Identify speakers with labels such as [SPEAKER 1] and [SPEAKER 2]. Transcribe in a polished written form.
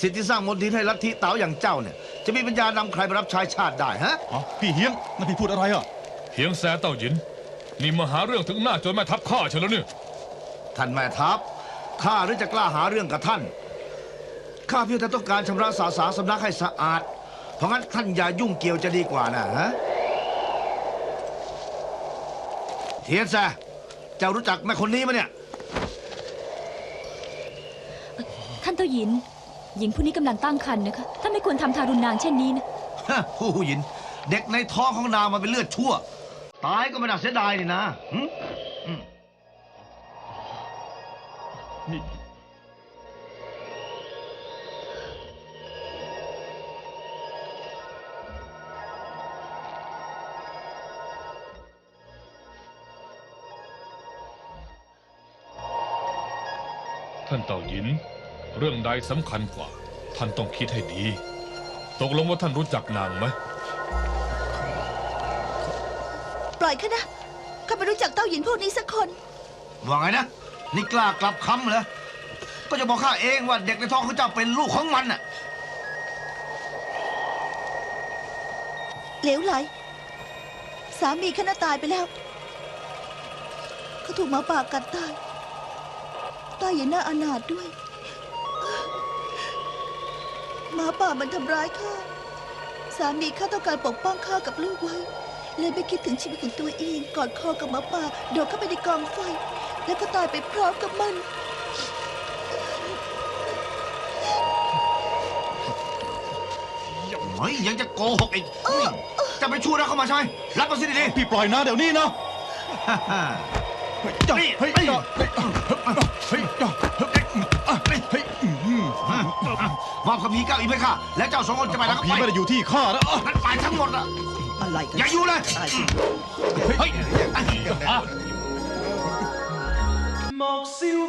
[SPEAKER 1] สิทธิ์ที่สร้างมลทินให้ลัทธิเต๋าอย่างเจ้าเนี่ยจะมีปัญญานำใครมารับใช้ชาติได้ฮะ
[SPEAKER 2] พี่เฮียงนั่นพี่พูดอะไรอ่ะ
[SPEAKER 3] เฮียงแซ่เต้าหยินนี่มาหาเรื่องถึงหน้าจนแม่ทัพข้าเฉยแล้วเนี่ย
[SPEAKER 1] ท่านแม่ทัพข้าหรือจะกล้าหาเรื่องกับท่านข้าเพียงแต่ต้องการชำระสาสางสำนักให้สะอาดเพราะงั้นท่านอย่ายุ่งเกี่ยวจะดีกว่านะฮะเทียนแซ่เจ้ารู้จักแม่คนนี้ไหมเนี่ย
[SPEAKER 4] ท่านเต้าหยินหญิงผู้นี้กำลังตั้งครรภ์นะคะท่านไม่ควรทำทารุณนางเช่นนี้นะ
[SPEAKER 1] ผู้หญิงเด็กในท้องของนางมันเป็นเลือดชั่วตายก็ไม่น่าเสียดายนี่นะ
[SPEAKER 2] นี่
[SPEAKER 3] ท่านเต่าหยินเรื่องใดสำคัญกว่าท่านต้องคิดให้ดีตกลงว่าท่านรู้จักนางไหม
[SPEAKER 5] ปล่อยข้านะข้าไม่รู้จักเต้าหยินพวกนี้สักคน
[SPEAKER 1] ว่าไงนะนี่กล้ากลับคำเหรอก็จะบอกข้าเองว่าเด็กในท้องของเจ้าเป็นลูกของมันน่ะ
[SPEAKER 5] เหลวไหลสามีข้าน่ะตายไปแล้วเขาถูกหมาป่ากัดตายตายอย่างน่าอนาถด้วยหมาป่ามันทำร้ายข้าสามีข้าต้องการปกป้องข้ากับลูกไว้เลยไม่คิดถึงชีวิตของตัวเองกอดคอกับหมาป่าโดดเข้าไปในกองไฟแล้วก็ตายไปพร้อมกับมัน
[SPEAKER 1] เฮ้ยยังจะโกหกอีกจะไปช่วยนะเข้ามาใช่รับมาสิดี
[SPEAKER 2] พี่ปล่อยนะเดี๋ยวนี้นะ
[SPEAKER 1] มอบคำพีเก้าอีกไหมค่ะแล้วเจ้าสองคนจะไปแล้วก็ไป
[SPEAKER 2] พี่ไม่ได้อยู่ที่ข้านะ
[SPEAKER 1] นั่นไปทั้งหมดอะ
[SPEAKER 5] อะไรกัน
[SPEAKER 1] อย่าอยู่เลย
[SPEAKER 6] 莫笑。